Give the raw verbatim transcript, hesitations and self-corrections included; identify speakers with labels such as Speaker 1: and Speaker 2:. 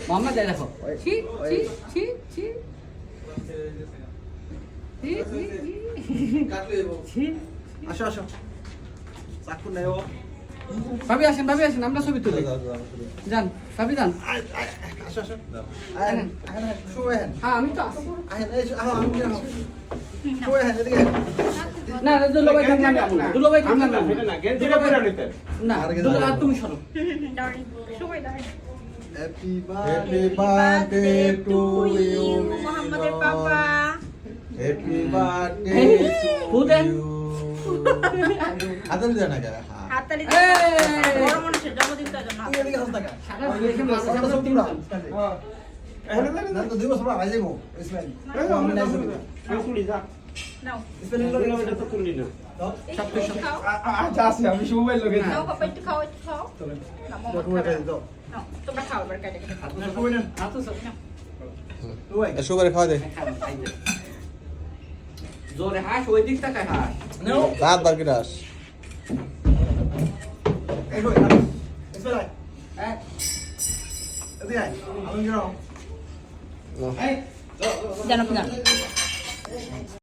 Speaker 1: মোহাম্মদ যাই দেখো ছি ছি ছি ছি ছি ছি
Speaker 2: আসো আসো চাকু নেই ও
Speaker 1: ভাবি আসেন ভাবি আসেন আমরা ছবি তুলি যান ভাবি যান
Speaker 2: আসো আসো আহেন আহেন শুয়ে আহেন
Speaker 1: হ্যাঁ আমি তো আসবো
Speaker 2: আহেন এই আহ আমি কি শুয়ে আহেন এদিকে
Speaker 1: না দুলাভাই থাক না দুলাভাই থাক না
Speaker 3: না গেঞ্জিটা পরে নিতে
Speaker 1: না দুলাভাই তুমি সরো
Speaker 4: সবাই দাঁড়ায়
Speaker 2: happy
Speaker 5: Happy birthday to you,
Speaker 4: মোহাম্মদের পাপা
Speaker 5: Happy birthday
Speaker 1: Who
Speaker 5: to
Speaker 1: then?
Speaker 5: you. হাতালি দেয় না কেন?
Speaker 4: হাততালি
Speaker 1: এই!
Speaker 4: বড় মানুষের জন্মদিন তার জন্য
Speaker 2: তুই এদিকে হাস টাকা
Speaker 1: সারা দেখে মাঝে আমরা তিনজন
Speaker 2: না তো দুই বছর আগে যাইবো ইসমাইল আমি নাই যাবো
Speaker 3: তুলি যা
Speaker 4: নাও
Speaker 2: ইসমাইল
Speaker 3: এটা তো তুলি না
Speaker 4: এই খাও
Speaker 3: আচ্ছা আছে আমি শুভের লগে
Speaker 4: নাও পাপা একটু খাও একটু খাও না মোহাম্মদ
Speaker 2: শুয়ে
Speaker 4: খাবে।
Speaker 2: খাই দাও
Speaker 4: নাও তোমরা খাও এবার কেটে কেটে খাও
Speaker 2: শুয়ে নেন
Speaker 1: হাত তো সব
Speaker 2: শুয়ে
Speaker 5: এ সুপারি খাওয়া দে।
Speaker 1: জোরে হাস ওই দিক তাকায় হাস
Speaker 2: নাও
Speaker 5: রাত বার কেটে আস।
Speaker 2: এই শুয়ে ইসমাইল আয়
Speaker 1: হ্যাঁ
Speaker 2: এদিকে আয় আমি গেলাম
Speaker 5: নাও।
Speaker 2: এই
Speaker 4: জানো কি জানো